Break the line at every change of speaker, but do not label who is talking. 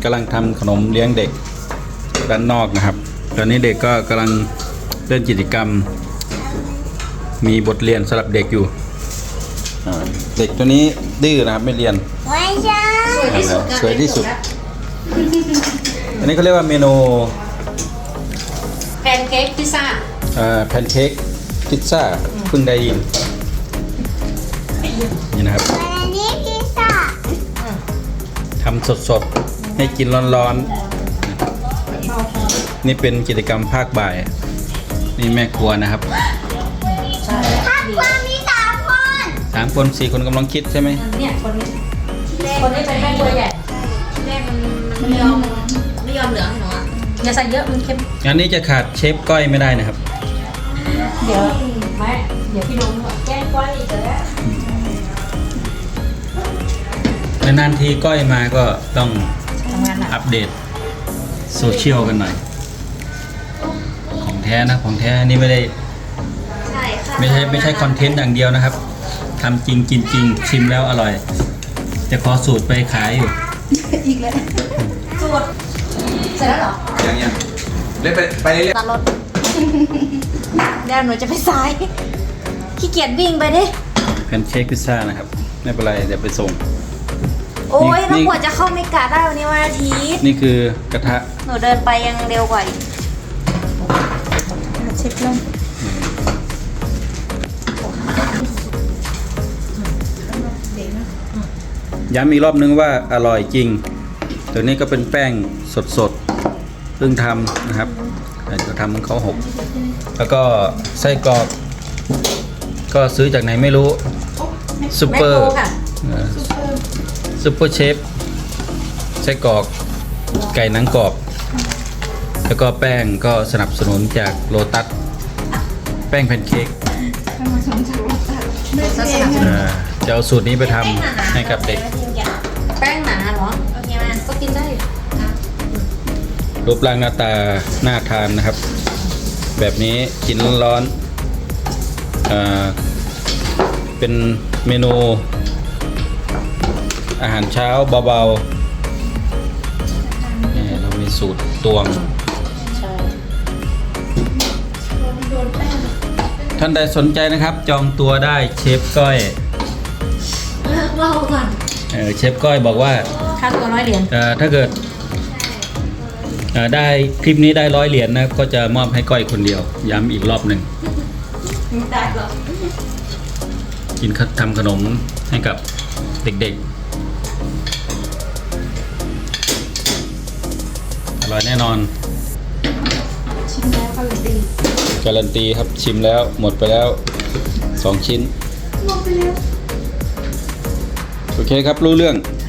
กำลังทำขนมเลี้ยงเด็กด้านนอกนะครับตอนนี้เด็กก็กำลังเล่นกิจกรรมมีบทเรียนสำหรับเด็กอยู่เด็กตัวนี้ดื้อนะครับไม่เรียน
ไม่ใช่
สวยที่สุดอันนี้เขาเรียกว่าเมนู
แพนเค้กพิซซ่า
แพนเค้กพิซซ่าเพิ่งได้ยินนี่นะครับ
อันนี้พิซซ่า
ทำสดๆให้กินร้อนๆนี่เป็นกิจกรรมภาคบ่ายนี่แม่ครัวนะครับ
ภาคครัวมี
3 คน4 คนกำลังคิดใช่ไหม
เนี่ยคนนี้เป็นแม่ครัวใหญ่แม่มันไม่ยอมเหลืองให้หนูอย่าใส่เยอะมันเค็ม
งานนี้จะขาดเชฟก้อยไม่ได้นะครับ
เดี๋ยวพี่ลุงแกงก้อยอีกแล้ว
นานๆทีก้อยมาก็ต้องอัปเดตโซเชียลกันหน่อยของแท้นะของแท้นี่ไม่ใช่คอนเทนต์อย่างเดียวนะครับทำจริงกินจริงชิมแล้วอร่อยจะขอสูตรไปขายอยู่
อีกแล้วสูตรเสร็จแล้วเหรอ
ยังเล่นไปเรื่อย
ตัดรถเดี๋ยวหนูจะไปซ้ายขี้เกียจวิ่งไปดิ
แพนเค้กพิซซ่านะครับไม่เป็นไรเดี๋ยวไปส่ง
โอ้ยแล้วกว่าจะเข้าเมกาได้วันนี้วันอาทิตย์
นี่คือกระทะ
หนูเดินไปยังเร็วกว่าเช็คลง
ย้ำอีกรอบนึงว่าอร่อยจริงตัวนี้ก็เป็นแป้งสดๆเพิ่งทำนะครับจะทำเขาหกแล้วก็ไส้กรอกก็ซื้อจากไหนไม่รู้ซูเปอร์เชฟไส้กรอกไก่หนังกรอบแล้วก็แป้งก็สนับสนุนจากโลตัสแป้งแพนเค้กจะเอาสูตรนี้ไปทำให้กับเด็ก
แป้งหนาเหรอโอเคไหมก็กินได้
รูปร่างหน้าตาน่าทานนะครับแบบนี้กินร้อนๆเป็นเมนูอาหารเช้าเบาๆนี่เรามีสูตรตวงท่านใดสนใจนะครับจองตัวได้เชฟก้อย
เล่าก่อน
เชฟก้อยบอกว่า
ค่าตัว100 เหรียญ
ถ้าเกิดได้คลิปนี้ได้100 เหรียญนะก็จะมอบให้ก้อยคนเดียวย้ำอีกรอบหนึ่ง
ได้หรอ
กินทำขนมให้กับเด็กๆอร่อยแน่นอน
ชิมแล้ว
การันตีครับชิมแล้วหมดไปแล้ว2 ชิ้น
หมดไปแล้ว
โอเคครับรู้เรื่อง